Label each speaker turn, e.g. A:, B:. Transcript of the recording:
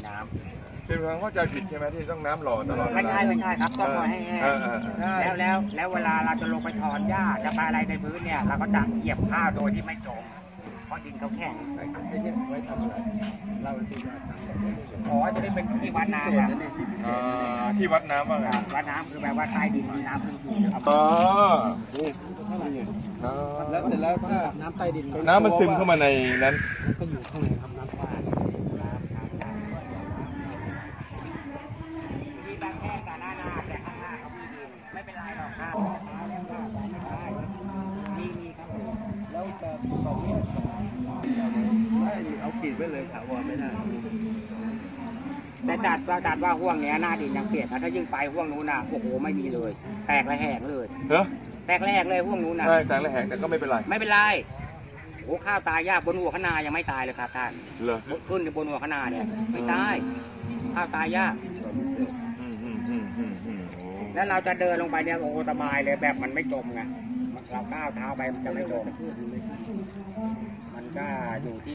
A: น้ำ
B: เป็นทางเข้าใจผิดใช่ไหมที่ต้องน้ำหล่อตลอด
A: ไม่ใช่ครับต้องปล่อยให้แห้งแล้วเวลาเราจะลงไปถอนหญ้าจะไปอะไรในพื้นเนี่ยเราก็จะเหยียบข้าวโดยที่ไม่จมเพราะดินเขาแข็ง
C: ไอ้เนี่ยไว้ทำอะไรเล่าที่ว่าทำ
A: อ๋อจะได้เป็นที่วัดน้ำอะ
B: ที่วัดน้ำว่าไง
A: วัดน้ำคือแปลว่าใต้ดินมีน้ำขึ้นอยู่
B: อ๋อ
C: นี่แล้วเสร็จแล้วถ้าน้ำใต้ดิน
B: น้ำมันซึมเข้ามาในนั้น
C: ก็อยู่ข้างในครับน้ำฟ้า
A: มีบางแค่กับหน้าแต่ข้างหน้าเขามีดินไม่เป็นไรหรอกครับมีครับ
C: แล้วจะตรงนี้ไม่เอาขีดไว้เลยถาวรไม่ได้
A: แต่จัดว่าห่วงเนี้ยหน้าดินยังเปียกนะถ้ายิ่งไปห่วงนู้นน่ะโอ้โหไม่มีเลย แตกระแหงเลย
B: เหรอ
A: แตกระแหงเลยห่วงนู้นน่ะ
B: ใช่แต่ละแห่งแต่ก็ไม่เป็นไร
A: ไม่เป็นไรโอ้ข้าวตายยากบนหัวขนายังไม่ตายเลยครับท่าน
B: เหรอ
A: ขึ้นบนหัวขนาเนี่ยไม่ตายข้าวตายยาก
B: โอ้
A: แล้วเราจะเดินลงไปเนี่ยโอ้สบายเลยแบบมันไม่จมไงเราก้าวเท้าไปมันจะไม่จมมันก็อยู่ที่